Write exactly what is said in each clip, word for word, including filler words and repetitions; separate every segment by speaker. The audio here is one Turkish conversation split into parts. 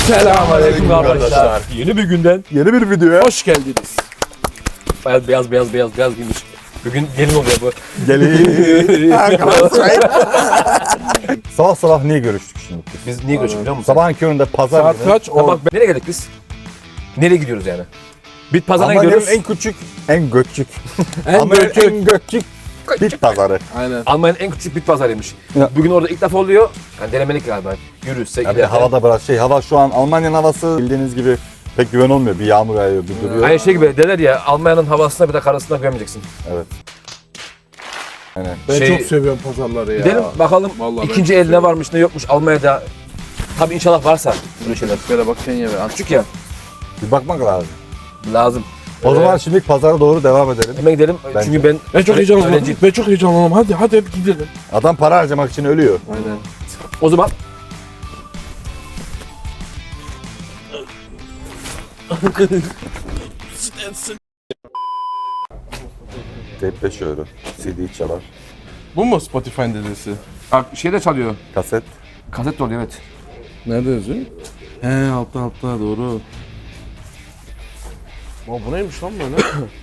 Speaker 1: Selamünaleyküm arkadaşlar. Yeni bir günden
Speaker 2: Yeni bir videoya
Speaker 1: hoş geldiniz. Beyaz beyaz beyaz beyaz beyaz giymiş. Bugün gelin oluyor bu.
Speaker 2: gelin. Sabah sabah niye görüştük şimdi?
Speaker 1: Biz niye göçük biliyor musun?
Speaker 2: Sabahın köründe pazar
Speaker 1: Saat
Speaker 2: günü.
Speaker 1: kaç? Ha, bak nereye geldik biz? Nereye gidiyoruz yani? Bit pazarına
Speaker 2: Almanya'nın
Speaker 1: gidiyoruz.
Speaker 2: en küçük, en göçük.
Speaker 1: En
Speaker 2: Almanya'nın
Speaker 1: göçük.
Speaker 2: en göçük bit pazarı.
Speaker 3: Aynen.
Speaker 1: Almanya'nın en küçük bit pazarıymış.
Speaker 2: Ya.
Speaker 1: Bugün orada ilk defa oluyor. Yani denemelik galiba. Yürüyüşse
Speaker 2: Yani
Speaker 1: giderken.
Speaker 2: havada biraz şey, hava şu an Almanya'nın havası bildiğiniz gibi pek güven olmuyor. Bir yağmur yağıyor, bir duruyor.
Speaker 1: Aynı şey gibi derler ya, Almanya'nın havasına bir de karasına güvenmeyeceksin.
Speaker 2: Evet. Aynen.
Speaker 3: Ben
Speaker 1: Şey-
Speaker 3: çok seviyorum pazarları ya.
Speaker 1: Gidelim bakalım
Speaker 3: Vallahi ben
Speaker 1: ikinci
Speaker 3: çok
Speaker 1: el ne
Speaker 3: seviyorum.
Speaker 1: varmış ne yokmuş Almanya'da. Tabii inşallah varsa böyle şeyler.
Speaker 3: Böyle bak Kenya ve
Speaker 1: Küçük ya,
Speaker 2: Bir bakmak lazım.
Speaker 1: lazım.
Speaker 2: O
Speaker 1: Ee,
Speaker 2: zaman şimdi pazara doğru devam edelim.
Speaker 1: Hemen gidelim
Speaker 2: Bence.
Speaker 1: çünkü ben
Speaker 3: Ben çok
Speaker 1: öğre-
Speaker 3: heyecanlandım.
Speaker 1: öğrenciyim.
Speaker 3: Ben çok heyecanlandım. Hadi hadi hadi gidelim.
Speaker 2: Adam para harcamak için ölüyor.
Speaker 3: Aynen.
Speaker 1: O zaman
Speaker 2: Tape beş euro. C D çalar.
Speaker 3: Bu mu Spotify'ın dedesi?
Speaker 1: bak şey de çalıyor.
Speaker 2: Kaset.
Speaker 1: Kaset de oluyor evet.
Speaker 3: Nerede yazıyor? He altta altta doğru. Aa, bu neymiş lan böyle?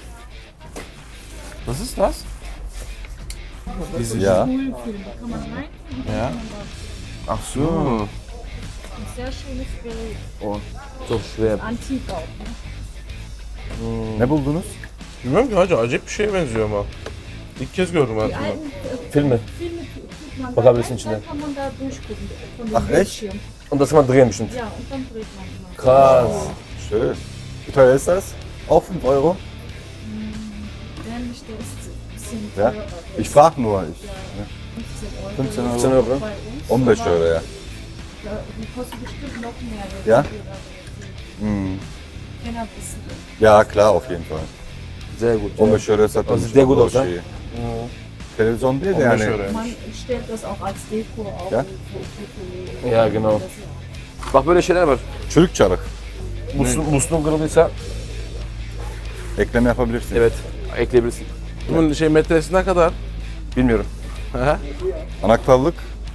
Speaker 3: Was ist das? Diese
Speaker 2: Ya.
Speaker 4: Schulfilm, kann man rein?
Speaker 3: Ja. Ach so.
Speaker 4: Sehr schönes Bild.
Speaker 1: Çok şuraya.
Speaker 4: Antik auch. Ne?
Speaker 2: Ne buldunuz?
Speaker 3: Bilmiyorum ki hacı acayip bir şeye benziyor ama. İlk kez gördüm
Speaker 4: Die
Speaker 3: hayatımda.
Speaker 4: alten äh,
Speaker 1: Filmi.
Speaker 4: Filme tut man da
Speaker 1: Bakabilirsin
Speaker 4: rein,
Speaker 1: içine.
Speaker 4: dann kann man da durchgucken von dem
Speaker 2: Ach, echt?
Speaker 4: Bildschirm.
Speaker 1: Und das mal drehen bestimmt.
Speaker 4: Ja, und dann dreht man mal.
Speaker 1: Krass.
Speaker 2: Schön. Wie teuer ist das? Auch fünf Euro?
Speaker 4: Nämlich der ist ein bisschen
Speaker 2: Ja.
Speaker 4: teurer.
Speaker 2: Ich frage nur. Ich,
Speaker 4: fünfzehn Euro.
Speaker 2: fünfzehn
Speaker 1: Euro.
Speaker 4: Bei uns.
Speaker 2: on beş
Speaker 4: aber,
Speaker 2: euro ya.
Speaker 4: ja, die kosten bestimmt noch mehr. wenn
Speaker 2: Ja?
Speaker 4: die da-
Speaker 2: Hm.
Speaker 4: Kenner wissen.
Speaker 2: Ja, klar, auf jeden Fall.
Speaker 1: Sehr gut.
Speaker 2: on beş euroya satılmış.
Speaker 1: Das ist sehr gut aus,
Speaker 2: şeyi. Televizyon değil de
Speaker 3: on beş
Speaker 2: yani.
Speaker 3: euro.
Speaker 4: Man stellt das auch als Deko auf.
Speaker 2: Ja?
Speaker 4: für Foto-
Speaker 1: Ja, genau. Bak böyle şeyler var.
Speaker 2: Çürük çarık.
Speaker 1: Musluğun, musluğun kırıldıysa
Speaker 2: Ekleme yapabilirsin.
Speaker 1: evet ekleyebilirsin.
Speaker 3: Bunun şey metresi ne kadar?
Speaker 1: Bilmiyorum.
Speaker 3: He?
Speaker 2: Anahtarlık.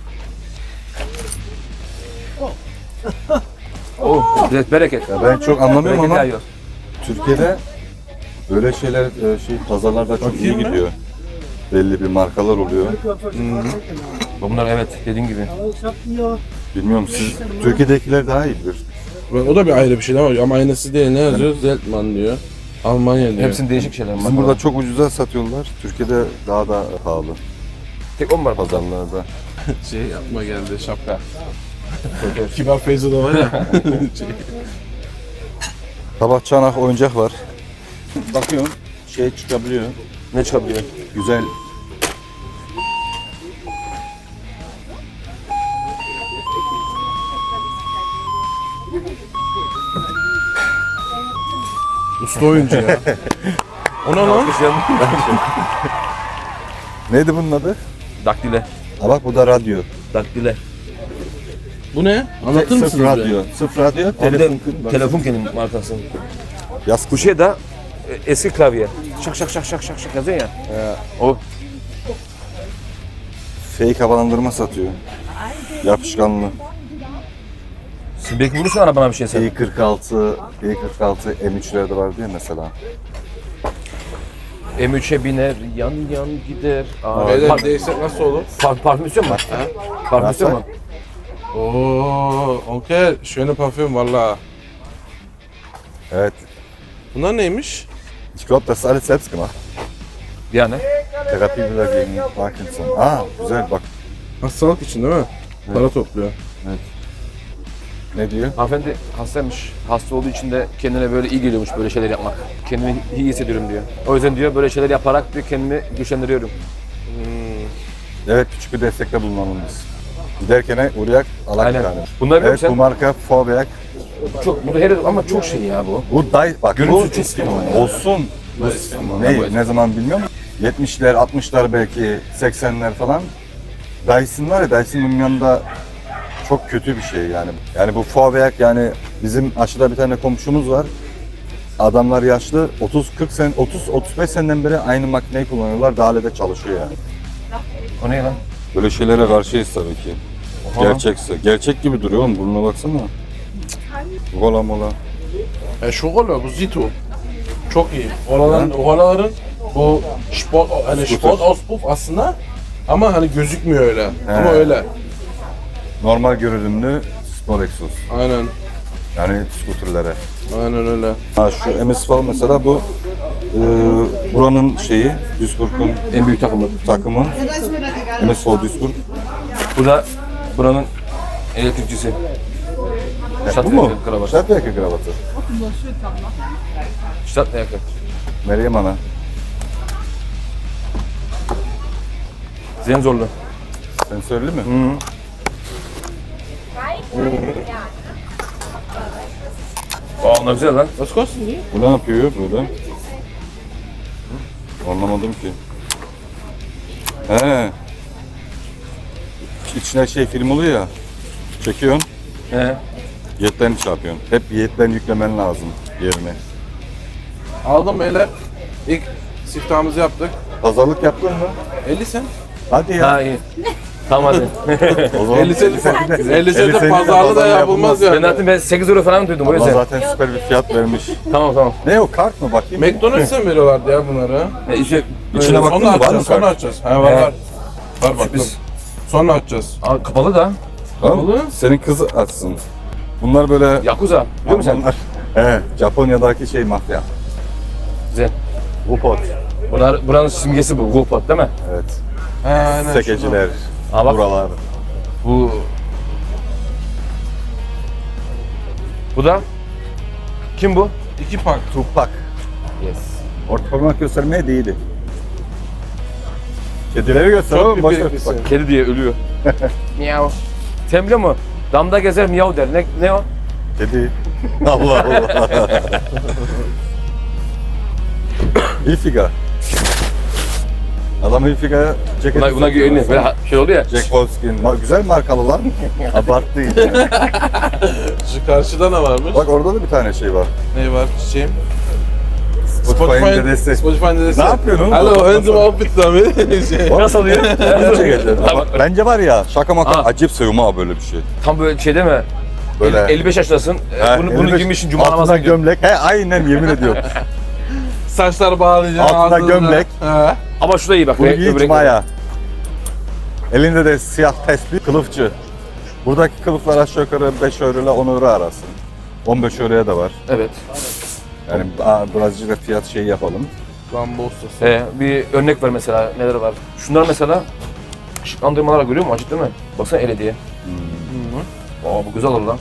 Speaker 1: Oh, evet, bereket.
Speaker 2: Ben çok anlamıyorum
Speaker 1: Bereket
Speaker 2: ama
Speaker 1: yağıyor.
Speaker 2: Türkiye'de böyle şeyler e, şey pazarlarda çok iyi
Speaker 3: Bakayım mı?
Speaker 2: gidiyor. Belli bir markalar oluyor.
Speaker 1: Bunlar evet dediğin gibi.
Speaker 2: Bilmiyorum siz Türkiye'dekiler daha iyi bilir.
Speaker 3: O da bir ayrı bir şey ama ama aynısı değil. Ne yazıyor? Zeltman diyor. Almanya diyor.
Speaker 1: Hepsinin değişik şeyler.
Speaker 2: Bizim burada çok ucuza satıyorlar. Türkiye'de daha da pahalı
Speaker 1: tek on var pazar.
Speaker 2: pazarlarda.
Speaker 3: şey yapma geldi şapka. Kibar Feyzo da var ya. şey.
Speaker 2: Tabak çanak oyuncak var. Bakıyorum şey çıkabiliyor.
Speaker 1: Ne çıkabiliyor?
Speaker 2: Güzel.
Speaker 3: Usta oyuncu ya. O ne lan?
Speaker 2: Neydi bunun adı?
Speaker 1: Daktile.
Speaker 2: Ha bak bu da radyo.
Speaker 1: Daktile.
Speaker 3: Bu ne? Anlatır
Speaker 2: Sırf
Speaker 3: mısınız?
Speaker 2: radyo. Sırf radyo.
Speaker 1: Abi
Speaker 2: Telefon.
Speaker 1: de telefon kendi markası.
Speaker 2: Yaz
Speaker 1: Bu şey de e, eski klavye. Şak şak şak şak şak şak yazıyor ya. O
Speaker 2: fake havalandırma satıyor. Yapışkanlı.
Speaker 1: siz belki bulursun arabana bir şey sen.
Speaker 2: i kırk altı, i kırk altı M üç'lerde vardı ya mesela.
Speaker 1: M üç'e biner, yan yan gider. Aa,
Speaker 3: Beyler
Speaker 1: par-
Speaker 3: değişsek nasıl olur?
Speaker 1: par- parfüm istiyor musun? Parfüm istiyor musun?
Speaker 3: Oo, okay. Schöne Parfüm valla.
Speaker 2: Evet.
Speaker 3: Bunlar neymiş?
Speaker 2: Ich glaube, das ist alles selbst gemacht.
Speaker 1: Yani.
Speaker 2: Terapiler gegen Parkinson. Aa güzel bak.
Speaker 3: Hastalık için değil mi? Para topluyor.
Speaker 2: Ne diyor?
Speaker 1: Hanımefendi hastaymış. Hasta olduğu için de kendine böyle iyi geliyormuş böyle şeyler yapmak. Kendimi iyi hissediyorum diyor. O yüzden diyor böyle şeyler yaparak diyor kendimi güçlendiriyorum.
Speaker 2: Evet küçük bir destekte bulunalım biz. Giderken uğrayak alak bir
Speaker 1: Aynen.
Speaker 2: tane.
Speaker 1: Bunlar biliyor
Speaker 2: Evet
Speaker 1: musun
Speaker 2: bu marka Fauberg.
Speaker 1: Çok, bu da her ama çok şey ya bu.
Speaker 2: Bu day bak
Speaker 1: Görüntüsü
Speaker 2: bu
Speaker 1: çok sinema ya.
Speaker 2: olsun. Bu ne, ne zaman bilmiyorum. yetmişler, altmışlar belki seksenler falan. Dyson var ya Dyson'ın yanında çok kötü bir şey yani. Yani bu Fauberg yani bizim aşağıda bir tane komşumuz var. Adamlar yaşlı otuz kırk sen otuz otuz beş seneden beri aynı makineyi kullanıyorlar. Daha hala da çalışıyor yani.
Speaker 1: O ne lan?
Speaker 2: Böyle şeylere karşıyız tabii ki.
Speaker 1: Oha.
Speaker 2: Gerçekse. Gerçek gibi duruyor oğlum. Burnuna baksana. Kola mola.
Speaker 3: E şu kola bu Zito. Çok iyi. Kolaların, kolaların bu sport, hani sport Auspuff aslında ama hani gözükmüyor öyle.
Speaker 2: He.
Speaker 3: Ama öyle.
Speaker 2: Normal görünümlü spor egzoz.
Speaker 3: Aynen.
Speaker 2: Yani skuterlere.
Speaker 3: Aynen öyle.
Speaker 2: Ha şu M S falan mesela bu e, buranın şeyi, Duisburg'un
Speaker 1: En büyük takımı.
Speaker 2: takımı. M S O Duisburg.
Speaker 1: Bu da buranın elektrikçisi.
Speaker 2: E, bu mu?
Speaker 1: Kravat.
Speaker 2: Stadtwerke kravatı.
Speaker 1: Stadtwerke.
Speaker 2: Meryem Ana.
Speaker 1: Sensörlü.
Speaker 2: Sensörlü mü?
Speaker 1: Hı. Aa, onlar güzel lan.
Speaker 3: Was kosten die?
Speaker 2: Bu ne yapıyor böyle? Anlamadım ki. He. İçine şey film oluyor ya. Çekiyorsun,
Speaker 1: He.
Speaker 2: yetlerini çarpıyorsun. Hep yetlerini yüklemen lazım yerine.
Speaker 3: Aldım beyler. İlk siftahımızı yaptık.
Speaker 2: Pazarlık yaptın mı?
Speaker 3: elli sen.
Speaker 2: Hadi ya.
Speaker 1: Ha iyi. Tamam hadi.
Speaker 2: O zaman
Speaker 3: elli senti
Speaker 2: de-
Speaker 3: elli senti
Speaker 2: senti de
Speaker 3: pazarlı da
Speaker 2: pazarlı
Speaker 3: yapılmaz
Speaker 1: Ben
Speaker 3: yani.
Speaker 1: zaten ben sekiz euro falan duydum o
Speaker 2: Allah
Speaker 1: yüzden.
Speaker 2: zaten süper bir fiyat vermiş.
Speaker 1: Tamam tamam.
Speaker 2: Ne o kart mı bakayım?
Speaker 3: McDonald's'a mı veriyorlardı ya bunları?
Speaker 1: E, işte,
Speaker 2: İçine
Speaker 1: böyle-
Speaker 2: bak- baktın
Speaker 3: Sonra
Speaker 2: mı? Var mı
Speaker 3: açacağız, sonra
Speaker 2: kart?
Speaker 3: açacağız. He var
Speaker 1: He.
Speaker 3: var. Var baktım.
Speaker 1: Biz-
Speaker 3: Sonra açacağız.
Speaker 1: Aa, kapalı da.
Speaker 2: Tamam.
Speaker 3: Kapalı.
Speaker 2: Senin kızı açsın. Bunlar böyle...
Speaker 1: Yakuza. Biliyor musun sen?
Speaker 2: Bunlar- He, Japonya'daki şey mafya.
Speaker 1: Güzel.
Speaker 2: Wupot.
Speaker 1: Bunlar, buranın simgesi bu. Gopot değil mi?
Speaker 2: Evet.
Speaker 3: He aynen.
Speaker 2: Sekeciler.
Speaker 1: Aa, bak.
Speaker 2: Buralar.
Speaker 1: Bu... Bu da... Kim bu?
Speaker 3: şurada. İki pak.
Speaker 2: Tupak.
Speaker 1: Yes.
Speaker 2: Orta parmak göstermeye değildi. Kedileri göster
Speaker 3: Çok
Speaker 2: oğlum.
Speaker 3: bir
Speaker 2: Boş ver
Speaker 3: bilgisi.
Speaker 2: Tupak.
Speaker 1: Kedi diye ölüyor. Miyav. Sen biliyor musun? Damda gezer miyav der. Ne, ne o?
Speaker 2: Kedi. Allah Allah. Hilfiger. Adam Hilfiger ceketi
Speaker 1: Buna, buna
Speaker 2: satıyor
Speaker 1: güvenli.
Speaker 2: mesela.
Speaker 1: Böyle ha- şey oluyor ya.
Speaker 2: Jack Wolfskin. Ma- Güzel markalılar. Abarttı iyice.
Speaker 3: Şu karşıda ne varmış?
Speaker 2: Bak orada da bir tane şey var.
Speaker 3: Ne var çiçeğim?
Speaker 2: Spotify'ın dedesi.
Speaker 3: Spotify'ın dedesi.
Speaker 2: Ne yapıyorsun oğlum?
Speaker 3: Hello, handsome outfit tabii. Şey.
Speaker 1: Nasıl oluyor?
Speaker 2: Bunu çekeceğiz. Ama Bence var ya şaka maka
Speaker 1: Aa.
Speaker 2: acayip seviyorum ha böyle bir şey.
Speaker 1: Tam böyle şey değil mi?
Speaker 2: Böyle.
Speaker 1: elli beş yaşındasın. e,
Speaker 2: Ha,
Speaker 1: bunu, bunu
Speaker 2: elli beş
Speaker 1: giymişsin cuma
Speaker 2: altına
Speaker 1: namazına gidiyorsun.
Speaker 2: gömlek. He aynen yemin ediyorum.
Speaker 3: Saçlar bağlayacaksın.
Speaker 2: Altına
Speaker 3: ağzına.
Speaker 2: gömlek.
Speaker 3: He.
Speaker 1: Ama şu da iyi bak.
Speaker 2: Bunu
Speaker 1: renk-
Speaker 2: giy
Speaker 1: öbür renk-
Speaker 2: maya. Elinde de siyah tespih kılıfçı. Buradaki kılıflar aşağı yukarı beş euro ile on euro arası. on beş euroya da var.
Speaker 1: Evet.
Speaker 2: Yani aa, Brezilya'da fiyat şeyi yapalım.
Speaker 3: Rambo ustası.
Speaker 1: Ee, bir örnek ver mesela neler var. Şunlar mesela ışıklandırmalar görüyor musun? Acık değil mi? Baksana L E D'ye.
Speaker 3: Hı.
Speaker 1: Aa bu güzel olur lan.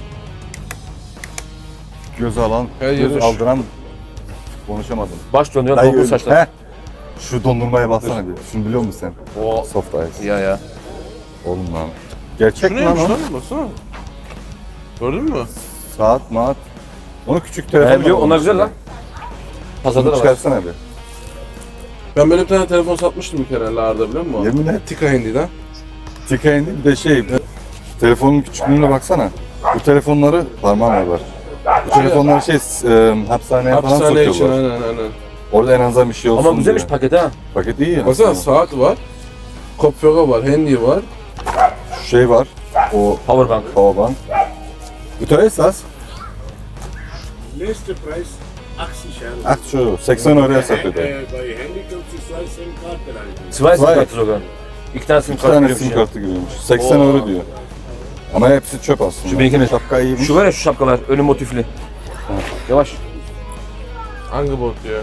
Speaker 2: Göze alan,
Speaker 3: Her
Speaker 2: göz
Speaker 3: yeri-
Speaker 2: aldıran konuşamadım.
Speaker 1: Baş döndüren
Speaker 2: Dayı
Speaker 1: dolgun
Speaker 2: öyle-
Speaker 1: saçlar.
Speaker 2: Heh. Şu dondurmaya baksana bir. Şunu biliyor musun sen?
Speaker 1: Oo.
Speaker 2: Soft ice.
Speaker 1: Ya ya.
Speaker 2: Oğlum lan. Gerçek
Speaker 3: Şu
Speaker 2: mi lan
Speaker 3: neymiş
Speaker 2: o?
Speaker 3: lan? Baksana. Gördün mü?
Speaker 2: Saat, maat. Onu küçük telefon.
Speaker 1: He biliyorum onlar güzel lan. Pazarda
Speaker 2: Bunu
Speaker 1: da var.
Speaker 2: çıkarsana bir.
Speaker 3: Ben böyle bir tane telefon satmıştım bir kere Lar'da biliyor musun?
Speaker 2: Yemin et.
Speaker 3: Tika Hindi'den.
Speaker 2: Tika indi bir de şey. Telefonun küçüklüğüne baksana. Bu telefonları parmağımla var. Bu telefonları şey e, hapishaneye falan
Speaker 3: Hapishane için
Speaker 2: sokuyorlar.
Speaker 3: aynen aynen.
Speaker 2: Orada en azından bir şey olsun
Speaker 1: Ama güzelmiş
Speaker 2: diye.
Speaker 1: paket ha.
Speaker 2: Paket iyi ya.
Speaker 3: Baksana saat var. Kopfhörer var, handy var.
Speaker 2: Şu şey var. O
Speaker 1: Powerbank.
Speaker 2: powerbank. Bu teuer ist das?
Speaker 5: Nächster Preis achtzig Euro.
Speaker 2: Ah şu seksen euroya satıyor.
Speaker 5: Äh, bei Handy kannst du zwei SIM-Karten reingeben.
Speaker 1: Zwei sim
Speaker 2: Zwei.
Speaker 1: kartı sogar. İki tane sim
Speaker 2: İki
Speaker 1: kartı
Speaker 2: tane
Speaker 1: giriyormuş
Speaker 2: sim
Speaker 1: ya.
Speaker 2: kartı giriyormuş. seksen
Speaker 1: Oo.
Speaker 2: euro diyor. Ama hepsi çöp aslında.
Speaker 1: Şu benimkine-
Speaker 2: Şapka iyiymiş.
Speaker 1: Şu var ya şu şapkalar önü motifli. Yavaş.
Speaker 3: Angebot diyor.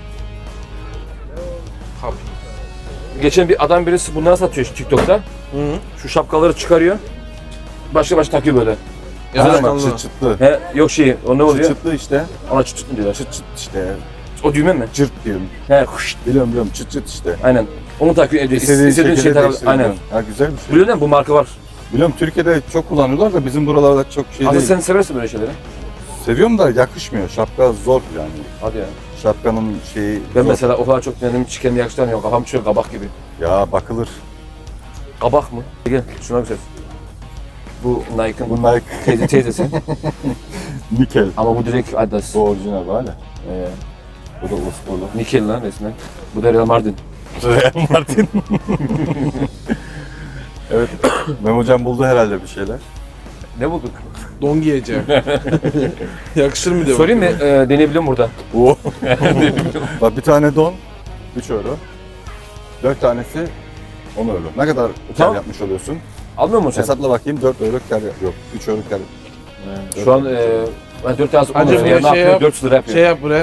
Speaker 3: Kap.
Speaker 1: Geçen bir adam birisi bunları satıyor şu TikTok'ta.
Speaker 3: Hı hı.
Speaker 1: Şu şapkaları çıkarıyor. Başka başka takıyor böyle.
Speaker 2: Ama
Speaker 3: Yazıkanlı.
Speaker 2: çıt çıtlı.
Speaker 1: He yok şey o ne
Speaker 2: Çıt
Speaker 1: oluyor?
Speaker 2: çıtlı işte.
Speaker 1: Ona çıt çıt mı diyorlar?
Speaker 2: Çıt çıt işte.
Speaker 1: O düğme mi?
Speaker 2: Cırt diyorum.
Speaker 1: He huşt.
Speaker 2: Biliyorum biliyorum çıt çıt işte.
Speaker 1: Aynen. Onu takıyor evde.
Speaker 2: İstediğin,
Speaker 1: İstediğin şey takar.
Speaker 2: değiştirebiliyorsun.
Speaker 1: Aynen.
Speaker 2: Ha güzel bir şey.
Speaker 1: Biliyor musun bu marka var.
Speaker 2: Biliyorum Türkiye'de çok kullanıyorlar da bizim buralarda çok şey
Speaker 1: Aslında
Speaker 2: değil.
Speaker 1: sen seversin böyle şeyleri.
Speaker 2: Seviyorum da yakışmıyor. Şapka zor yani.
Speaker 1: Hadi ya.
Speaker 2: Şapkanın şeyi
Speaker 1: Ben
Speaker 2: zor.
Speaker 1: mesela o kadar çok denedim hiç kendime yakıştıramıyorum. Kafam çıkıyor kabak gibi.
Speaker 2: Ya bakılır.
Speaker 1: Kabak mı? Gel şuna güzel. Bu Nike'ın
Speaker 2: Bu Nike
Speaker 1: teyze, teyzesi.
Speaker 2: nikel.
Speaker 1: Ama bu direkt Adidas.
Speaker 2: Bu orijinal böyle.
Speaker 1: Ee,
Speaker 2: Bu da Osporlu.
Speaker 1: Nikel lan resmen. Bu da Real Madrid.
Speaker 2: Real Martin. Evet. Mem hocam buldu herhalde bir şeyler.
Speaker 1: Ne bulduk?
Speaker 3: Don giyeceğim. Yakışır mı diyor.
Speaker 1: Sorayım mı? E, deneyebilirim burada.
Speaker 2: Oo. Bak bir tane don üç euro. dört tanesi on euro. Ne kadar kar
Speaker 1: Tamam.
Speaker 2: yapmış oluyorsun?
Speaker 1: Almıyor musun sen?
Speaker 2: Hesapla bakayım dört euro kar yap- yok üç euro kar.
Speaker 1: Şu an e, ben dört tanesi on
Speaker 3: Hadi
Speaker 1: lira.
Speaker 3: bir
Speaker 1: Yani ne
Speaker 3: şey
Speaker 1: yapıyor?
Speaker 3: yap.
Speaker 1: dört yüz lira yapıyor.
Speaker 3: Şey yap buraya.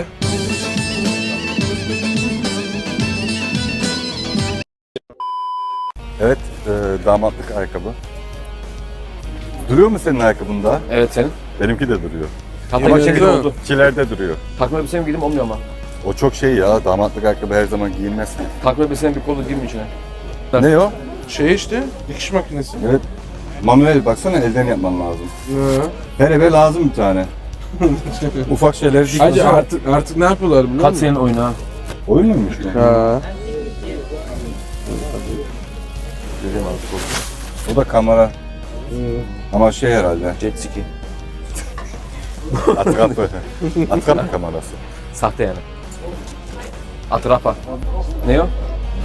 Speaker 2: Evet, e, damatlık ayakkabı. Duruyor mu senin ayakkabında?
Speaker 1: Evet senin.
Speaker 2: Benimki de duruyor.
Speaker 1: Takma
Speaker 2: Ama
Speaker 1: elbisem
Speaker 2: şimdi
Speaker 1: gibi oldu.
Speaker 2: kilerde duruyor.
Speaker 1: Takma elbisem giydim olmuyor ama.
Speaker 2: O çok şey ya, damatlık ayakkabı her zaman giyilmez.
Speaker 1: Takma elbisem bir kolu girmiyor içine.
Speaker 2: Ne o?
Speaker 3: Şey işte, dikiş makinesi.
Speaker 2: Evet. Manuel baksana elden yapman lazım.
Speaker 3: Hı.
Speaker 2: Her eve lazım bir tane. Ufak şeyler
Speaker 3: Hacı
Speaker 2: dikiyorsun.
Speaker 3: artık artık ne yapıyorlar biliyor
Speaker 1: Kaç
Speaker 3: musun?
Speaker 1: senin oyunu ha?
Speaker 2: Oyun muymuş bu?
Speaker 3: Ha.
Speaker 2: Göreyim abi. O da kamera. Ama şey herhalde.
Speaker 1: Jet ski.
Speaker 2: Atrap. Atrap kamerası.
Speaker 1: Sahte yani. Atrapa. Ne o?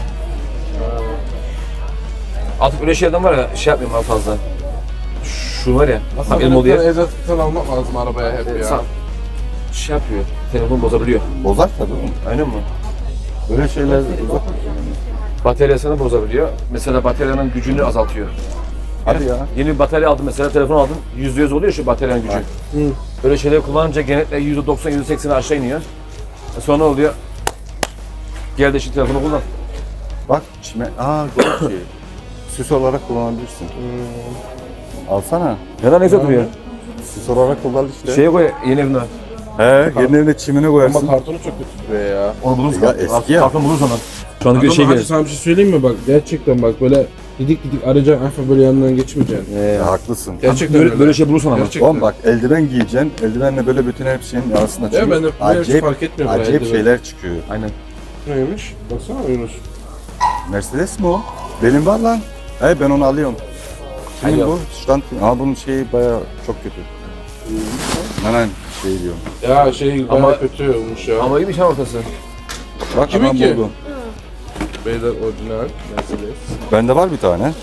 Speaker 1: Artık öyle şeylerden var ya şey yapmıyorum ben fazla. Şu var ya.
Speaker 3: Aslında
Speaker 1: Bak elim
Speaker 3: böyle
Speaker 1: oluyor.
Speaker 3: bir tane egzoz almak lazım arabaya hep ya.
Speaker 1: Sa- şey yapıyor. Telefon bozabiliyor.
Speaker 2: Bozar tabii oğlum.
Speaker 1: Aynen mi?
Speaker 2: Böyle şeyler bozar.
Speaker 1: Bataryasını bozabiliyor. Mesela bataryanın gücünü azaltıyor.
Speaker 2: Hadi ya.
Speaker 1: Yeni bir batarya aldım mesela telefon aldım. yüzde yüz oluyor şu bataryanın gücü.
Speaker 3: Hı.
Speaker 1: Böyle şeyleri kullanınca genellikle yüzde doksan yüzde seksene aşağı iniyor. E sonra ne oluyor? Gel de şu telefonu kullan.
Speaker 2: Bak çime... Aa güzel şey. Süs olarak kullanabilirsin. Alsana.
Speaker 1: Neden neyse duruyor?
Speaker 2: Süs olarak kullan işte.
Speaker 1: Şeye koy yeni evine.
Speaker 2: He, yeni evine çimini
Speaker 3: Ama
Speaker 2: koyarsın.
Speaker 3: kartonu çok kötü duruyor ya.
Speaker 1: Onu buluruz.
Speaker 2: Ya eski ya.
Speaker 1: Kartonu buluruz onu. Şu anda bir
Speaker 3: Ama
Speaker 1: şey
Speaker 3: hacı
Speaker 1: gelir.
Speaker 3: sana bir şey söyleyeyim mi bak gerçekten bak böyle didik didik arayacaksın hafif böyle yanından geçmeyeceksin.
Speaker 2: Ya, haklısın.
Speaker 3: Gerçekten
Speaker 1: Böyle, böyle şey bulursan ama.
Speaker 3: Gerçekten.
Speaker 2: Oğlum bak eldiven giyeceksin. Eldivenle böyle bütün her şeyin arasında
Speaker 3: Ya
Speaker 2: çıkıyor.
Speaker 3: ben de bu
Speaker 2: acayip,
Speaker 3: fark etmiyorum. bu
Speaker 2: acayip
Speaker 3: eldiven.
Speaker 2: şeyler çıkıyor.
Speaker 1: Aynen.
Speaker 3: Neymiş? Baksana Yunus.
Speaker 2: Mercedes mi o? Benim var lan. He ben onu alıyorum. Kimin
Speaker 1: Hayır.
Speaker 2: bu? Stand. Ama bunun şeyi bayağı çok kötü. Hemen şey diyorum.
Speaker 3: Ya şey
Speaker 1: Ama-
Speaker 3: bayağı kötü olmuş ya.
Speaker 1: Ama iyiymiş ha ortası.
Speaker 2: Bak
Speaker 3: Kimin
Speaker 2: hemen
Speaker 3: ki?
Speaker 2: buldum.
Speaker 3: Beyler orijinal Mercedes.
Speaker 2: Bende var bir tane.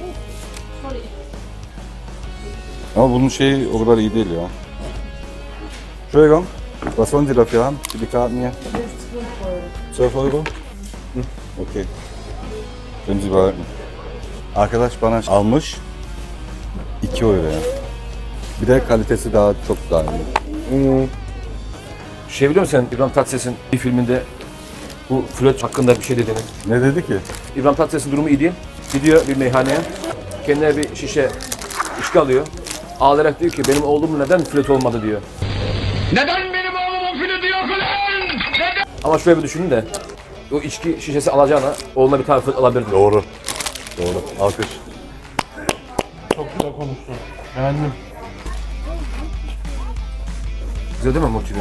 Speaker 2: Ama bunun şeyi o kadar iyi değil ya. Entschuldigung, was wollen Sie dafür haben? Für die Karten hier? zwölf Euro? Okay. Können Sie behalten. Arkadaş bana almış iki euro ya. Bir de kalitesi daha çok daha iyi.
Speaker 1: Şey biliyor musun sen İbrahim Tatlıses'in bir filminde bu flört hakkında bir şey dediğini.
Speaker 2: Ne dedi ki?
Speaker 1: İbrahim Tatlıses'in durumu iyi değil. Gidiyor bir meyhaneye. Kendine bir şişe içki alıyor. Ağlayarak diyor ki benim oğlum neden flört olmadı diyor.
Speaker 6: Neden benim oğlumun flütü yok ulan? Neden?
Speaker 1: Ama şöyle bir düşünün de o içki şişesi alacağına oğluna bir tane flört alabilirdi.
Speaker 2: Doğru. Doğru. Alkış.
Speaker 3: Çok güzel konuştun. Beğendim.
Speaker 1: Güzel değil mi motivi?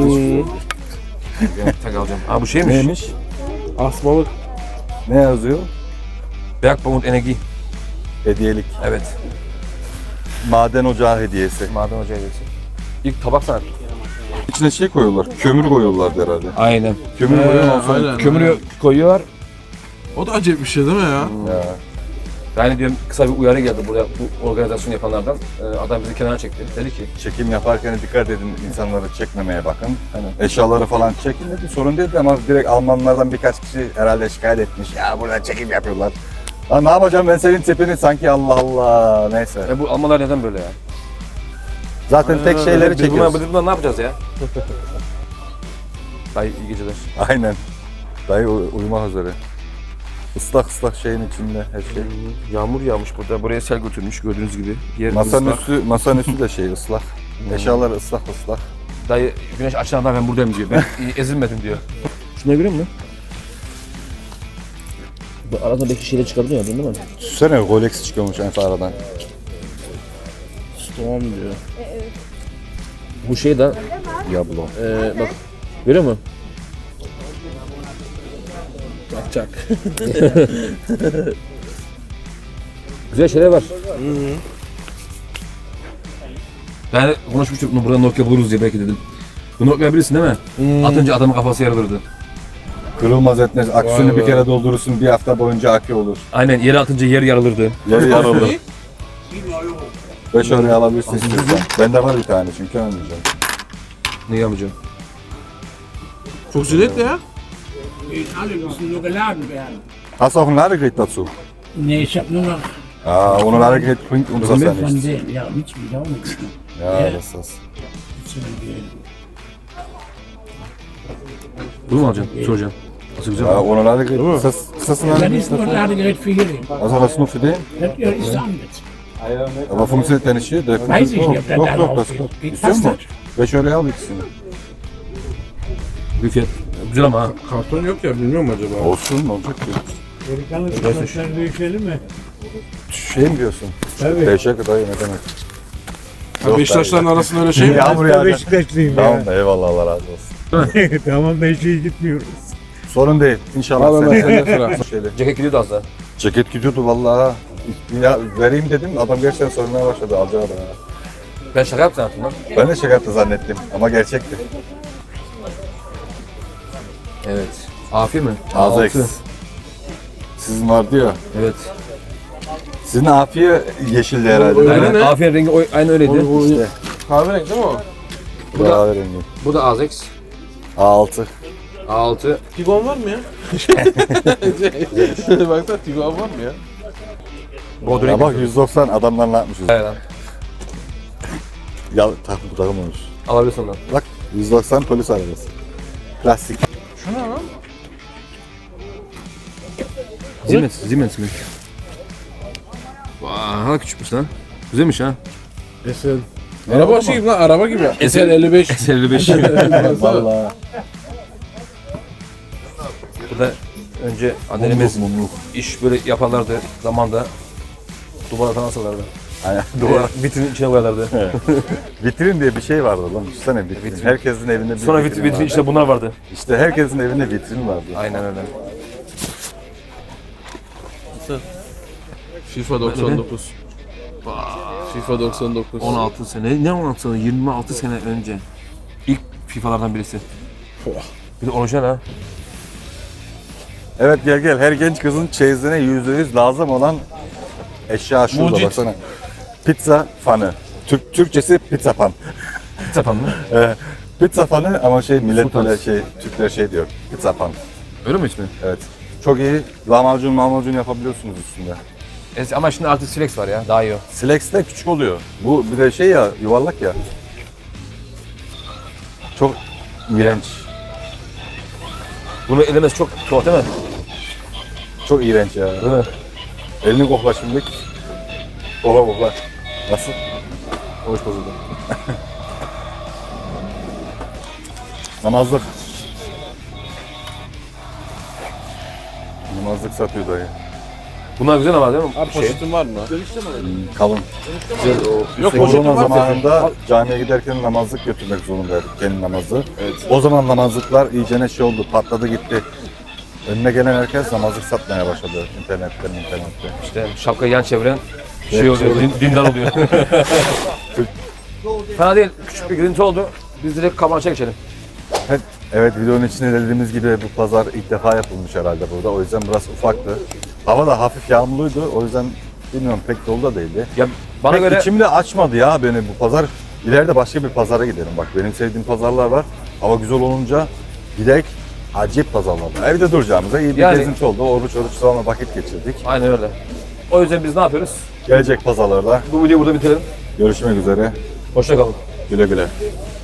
Speaker 1: Yani tak alacağım. Aa bu şeymiş.
Speaker 2: Neymiş?
Speaker 3: Asmalık.
Speaker 2: Ne yazıyor?
Speaker 1: Bergbaum Enerji.
Speaker 2: Hediyelik.
Speaker 1: Evet.
Speaker 2: Maden ocağı hediyesi.
Speaker 1: Maden Hoca hediyesi. İlk tabak sanat.
Speaker 2: İçine şey koyuyorlar. Kömür koyuyorlardı herhalde.
Speaker 1: Aynen.
Speaker 2: Kömür
Speaker 3: Ee,
Speaker 2: koyuyorlar sonra.
Speaker 3: aynen.
Speaker 1: Kömürü koyuyorlar.
Speaker 3: O da acayip bir şey değil mi ya?
Speaker 2: Ya.
Speaker 1: Yani diyorum kısa bir uyarı geldi buraya bu organizasyon yapanlardan. Ee, adam bizi kenara çekti. Dedi ki
Speaker 2: Çekim yaparken dikkat edin, insanları çekmemeye bakın.
Speaker 1: Aynen.
Speaker 2: Eşyaları falan çekin dedi. Sorun değil ama direkt Almanlardan birkaç kişi herhalde şikayet etmiş. Ya burada çekim yapıyorlar. Lan ne yapacağım ben senin tipini sanki Allah Allah. Neyse.
Speaker 1: e bu Almanlar neden böyle ya?
Speaker 2: Zaten tek şeyleri
Speaker 1: Biz bunlar,
Speaker 2: çekiyoruz.
Speaker 1: biz bunlar ne yapacağız ya? Dayı iyi geceler.
Speaker 2: Aynen. Dayı uy- uyumak üzere. Islak ıslak şeyin içinde her şey.
Speaker 1: Yağmur yağmış burada. Buraya sel götürmüş gördüğünüz gibi. Yer
Speaker 2: Masanın
Speaker 1: ıslak.
Speaker 2: üstü, masanın üstü de şey ıslak. Eşyalar ıslak ıslak.
Speaker 1: Dayı güneş açılana ben buradayım diyor. Ben ezilmedim diyor. Şuna görüyor musun? Bu arada belki şeyle çıkabiliyor değil mi?
Speaker 2: Düşünsene Rolex çıkıyormuş en aradan.
Speaker 3: Tamam diyor.
Speaker 1: Bu şey de
Speaker 2: Diablo.
Speaker 1: e, bak görüyor musun?
Speaker 3: Kaçak.
Speaker 1: Güzel şeyler var. Ben konuşmuştuk bunu burada Nokia buluruz diye belki dedim. Bu Nokia bilirsin değil mi? Atınca adamın kafası yarılırdı.
Speaker 2: Kırılmaz etmez. Aküsünü
Speaker 3: Vay
Speaker 2: bir
Speaker 3: be.
Speaker 2: kere doldurursun bir hafta boyunca akü olur.
Speaker 1: Aynen yere atınca yer yarılırdı.
Speaker 2: Yarı yarılır. beş oraya alabilirsin istiyorsan. Bende var bir tane çünkü almayacağım.
Speaker 1: Ne yapacağım?
Speaker 3: Çok lezzetli ya.
Speaker 5: Die alle müssen nur geladen werden.
Speaker 2: Hast du auch ein Ladegerät dazu?
Speaker 7: Nee, ich habe nur noch
Speaker 2: Aa, ohne Ladegerät bringt uns das ja
Speaker 7: von
Speaker 2: nichts.
Speaker 7: denen. Ja, nichts mit auch nichts.
Speaker 2: Ja, das ist das.
Speaker 1: Bunu mu alacaksın? Soracağım. Nasıl güzel?
Speaker 2: Ja, ohne Ladegerät. Ist das, ist das ein
Speaker 7: Dann
Speaker 2: Ladegerät?
Speaker 7: ist nur ein Ladegerät für hier.
Speaker 2: Also das nur für den?
Speaker 7: Das ja, ist damit.
Speaker 2: Aber funktioniert der nicht hier? Der
Speaker 7: Weiß ich nicht, ob der
Speaker 2: Doch,
Speaker 7: da
Speaker 2: doch,
Speaker 7: drauf
Speaker 2: das
Speaker 7: geht.
Speaker 2: geht.
Speaker 7: Geht
Speaker 2: İstiyor
Speaker 7: fast
Speaker 2: musun? beş oraya al ikisini.
Speaker 1: Bir fiyat. Güzel ama ha.
Speaker 3: Karton yok ya bilmiyorum acaba.
Speaker 2: Olsun, ne olacak ki?
Speaker 5: Amerikaner Sportler büyütelim mi?
Speaker 2: Şey mi diyorsun?
Speaker 5: Tabii.
Speaker 2: Beşe kadar ne demek?
Speaker 3: Ha, Beşiktaşların arasında öyle şey mi?
Speaker 2: Yağmur
Speaker 5: Ben
Speaker 2: yağacak.
Speaker 5: Beşiktaşlıyım
Speaker 2: Tamam
Speaker 5: ya.
Speaker 2: eyvallah Allah razı olsun.
Speaker 5: Tamam ben şey gitmiyoruz.
Speaker 2: Sorun değil. İnşallah
Speaker 3: Al hemen
Speaker 2: sen.
Speaker 3: sende sıra.
Speaker 2: Şeyle.
Speaker 1: Ceket gidiyordu az daha.
Speaker 2: Ceket gidiyordu vallahi. Ya vereyim dedim adam gerçekten sormaya başladı alacağı da.
Speaker 1: Ben şaka yaptım sanatım lan.
Speaker 2: Ben de şaka yaptı zannettim ama gerçekti.
Speaker 1: Evet. Afiyet mi?
Speaker 2: Ağzı
Speaker 1: Altı.
Speaker 2: eks. Sizin vardı ya.
Speaker 1: Evet.
Speaker 2: Sizin afiye yeşildi herhalde.
Speaker 3: Öyle
Speaker 2: değil mi?
Speaker 3: mi?
Speaker 1: Aynen. Afiyet rengi o- aynı öyleydi.
Speaker 2: İşte.
Speaker 3: Kahverengi değil mi o?
Speaker 2: Bu da rengi.
Speaker 1: Bu da Azex.
Speaker 2: A altı.
Speaker 1: A altı.
Speaker 3: Tigon var mı ya? Baksana Tigon var mı ya?
Speaker 1: Bordo
Speaker 2: Ya
Speaker 1: rengi.
Speaker 2: bak yüz doksan adamlar ne yapmışız?
Speaker 1: Evet lan.
Speaker 2: Ya takım takılmamış.
Speaker 1: Alabilirsin ondan.
Speaker 2: Bak yüz doksan polis arabası. Plastik.
Speaker 3: Şu ne lan?
Speaker 1: Siemens. Siemens mi? Vay, hala küçükmüş lan. Güzelmiş ha.
Speaker 3: Esel. Araba şey gibi lan araba gibi. Esel elli beş.
Speaker 1: S elli beş.
Speaker 2: Vallahi.
Speaker 1: Bu da önce annelerimiz
Speaker 2: Mumluk.
Speaker 1: iş böyle yaparlardı zamanda. Duvara falan asarlardı.
Speaker 2: Aynen.
Speaker 1: Duvar vitrinin içine koyarlardı.
Speaker 2: Vitrin diye bir şey vardı lan. Düşünsene vitrin.
Speaker 1: Vitrin.
Speaker 2: Herkesin evinde bir
Speaker 1: Sonra
Speaker 2: vitrin,
Speaker 1: vitrin, vitrin
Speaker 2: vardı.
Speaker 1: içinde bunlar vardı.
Speaker 2: İşte herkesin evinde vitrin vardı.
Speaker 1: Aynen öyle.
Speaker 3: FIFA doksan dokuz. FIFA doksan dokuz.
Speaker 1: on altı sene, ne on altı sene? yirmi altı sene önce. İlk FIFA'lardan birisi. Bir de orijinal ha.
Speaker 2: Evet gel gel. Her genç kızın çeyizine yüzde yüz lazım olan eşya şurada
Speaker 3: Mucit.
Speaker 2: baksana. Pizza fanı. Türk Türkçesi pizza pan.
Speaker 1: Sapan mı?
Speaker 2: Ee, pizza fanı ama şey millet
Speaker 1: Sultan.
Speaker 2: böyle şey Türkler şey diyor. Pizza pan.
Speaker 1: Öyle mi ismi?
Speaker 2: Evet. Çok iyi. Lahmacun mahmacun yapabiliyorsunuz üstünde.
Speaker 1: Es- ama şimdi artık Silex var ya, daha iyi o.
Speaker 2: Silex de küçük oluyor. Bu bir de şey ya yuvarlak ya. Çok iğrenç.
Speaker 1: Bunu elemesi çok tuhaf değil mi?
Speaker 2: Çok iğrenç ya.
Speaker 1: Değil mi?
Speaker 2: Elini kokla şimdi. Kokla kokla. Nasıl?
Speaker 1: Hoş bozuldu.
Speaker 2: Namazlık. Namazlık satıyor dayı.
Speaker 1: Bunlar güzel ama değil mi?
Speaker 3: Abi
Speaker 1: Şey.
Speaker 3: poşetin var mı?
Speaker 2: Kalın.
Speaker 1: Güzel o.
Speaker 3: Yok
Speaker 2: Korona
Speaker 3: poşetin var mı?
Speaker 2: zamanında camiye giderken namazlık götürmek zorundaydık, kendi namazı.
Speaker 3: Evet.
Speaker 2: O zaman namazlıklar iyicene şey oldu, patladı gitti. Önüne gelen herkes namazlık satmaya başladı internetten, internette.
Speaker 1: İşte şapkayı yan çeviren şey oluyor, din, dindar oluyor. Fena değil, küçük bir girinti oldu. Biz direkt kameraya geçelim.
Speaker 2: Evet, evet videonun içinde dediğimiz gibi bu pazar ilk defa yapılmış herhalde burada. O yüzden biraz ufaktı. Hava da hafif yağmurluydu. O yüzden bilmiyorum pek dolu da değildi.
Speaker 1: Ya bana
Speaker 2: Pek
Speaker 1: göre
Speaker 2: içimde açmadı ya beni bu pazar. İleride başka bir pazara gidelim. Bak benim sevdiğim pazarlar var. Hava güzel olunca giderek acayip pazarlar var. Evde duracağımıza iyi bir
Speaker 1: Yani-
Speaker 2: gezinti oldu. Oruç oruç sonra vakit geçirdik.
Speaker 1: aynen öyle. O yüzden biz ne yapıyoruz?
Speaker 2: Gelecek pazarlarda
Speaker 1: Bu videoyu burada bitirelim.
Speaker 2: görüşmek üzere.
Speaker 1: Hoşça kalın.
Speaker 2: Güle güle.